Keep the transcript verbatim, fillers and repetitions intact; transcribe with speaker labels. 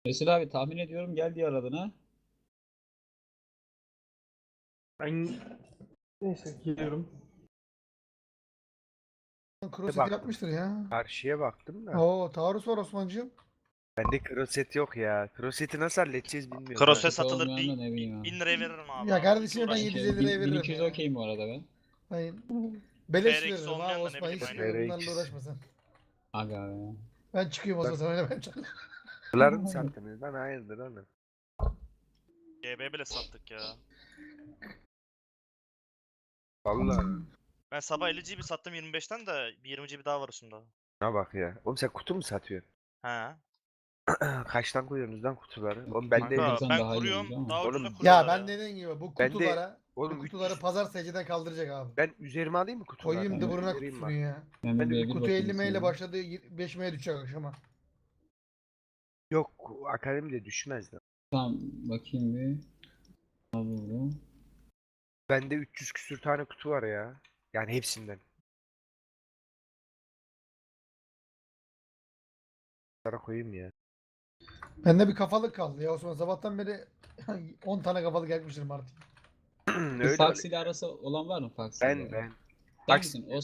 Speaker 1: Mesela abi tahmin ediyorum gel diğer adına.
Speaker 2: Ben neyse geliyorum.
Speaker 3: Kroset
Speaker 4: Baktım.
Speaker 3: yapmıştır ya.
Speaker 4: Karşıya baktım da.
Speaker 3: Oo, taarruz var Osman'cığım.
Speaker 4: Bende kroset yok ya. Kroseti nasıl halledeceğiz bilmiyorum.
Speaker 5: Krose
Speaker 1: Kroset
Speaker 5: satılır.
Speaker 1: olmayan da ne
Speaker 5: bin,
Speaker 1: bileyim abi.
Speaker 5: bin liraya veririm abi.
Speaker 3: Ya
Speaker 5: abi.
Speaker 3: kardeşim
Speaker 5: Hiç
Speaker 3: ben
Speaker 5: uğraşma.
Speaker 3: yedi yüz elli
Speaker 1: Okey,
Speaker 3: liraya
Speaker 1: bin-
Speaker 3: veririm
Speaker 1: 1200
Speaker 3: ya.
Speaker 1: okeyim bu arada ben.
Speaker 3: Hayır. Beleş
Speaker 5: T R X
Speaker 3: veririm
Speaker 5: olmayan
Speaker 3: ha
Speaker 5: da ne
Speaker 3: Osman. Hiç
Speaker 5: bileyim,
Speaker 4: aynen.
Speaker 3: bunlarla uğraşma sen.
Speaker 1: Aga be.
Speaker 3: Ben çıkıyorum Osman, sen öyle ben çıkıyorum.
Speaker 4: Dolar mı sattınız lan? Hayırdır oğlum?
Speaker 5: G B bile sattık ya.
Speaker 4: Vallahi.
Speaker 5: Ben sabah elli gigabayt sattım yirmi beşten de bir yirmi gigabayt daha var üstünde.
Speaker 4: Ne bak ya. Oğlum sen kutu mu satıyorsun?
Speaker 5: He.
Speaker 4: Kaçtan koyuyorsunuz lan kutuları? Oğlum ben de...
Speaker 5: Kanka
Speaker 1: Sen
Speaker 5: ben
Speaker 1: daha iyi
Speaker 5: kuruyorum.
Speaker 1: olmuş ama.
Speaker 5: Daha ucuza
Speaker 4: Oğlum,
Speaker 5: kuruyorlar
Speaker 3: Ya ben dediğim gibi bu
Speaker 4: Ben de-
Speaker 3: kutulara,
Speaker 4: Oğlum
Speaker 3: bu kutuları
Speaker 4: üç yüz
Speaker 3: pazar secdeden kaldıracak abi.
Speaker 4: Ben üzerime alayım mı kutuları?
Speaker 3: Koyayım
Speaker 1: Evet.
Speaker 3: dıbırına
Speaker 4: Üzerime
Speaker 3: kutusunu ya.
Speaker 1: Ben
Speaker 4: Ben de
Speaker 1: bir
Speaker 4: bir
Speaker 1: B bir
Speaker 3: Kutu
Speaker 1: bakayım
Speaker 3: elli M ile
Speaker 1: istedim.
Speaker 3: başladı, beş M'ye düşecek akşama.
Speaker 4: Yok akademide düşmez lan.
Speaker 1: Tamam bakayım bir. Al burada.
Speaker 4: Bende üç yüz küsür tane kutu var ya. Yani hepsinden. Sana koyayım ya.
Speaker 3: Bende bir kafalık kaldı ya Osman. Sabahtan beri on tane kafalık yakmışım artık.
Speaker 1: Bu
Speaker 4: Öyle
Speaker 1: Fox
Speaker 4: öyle.
Speaker 1: ile arası olan var mı Fox ile?
Speaker 4: Ben ben.
Speaker 1: Sen
Speaker 4: Fox-
Speaker 1: misin? O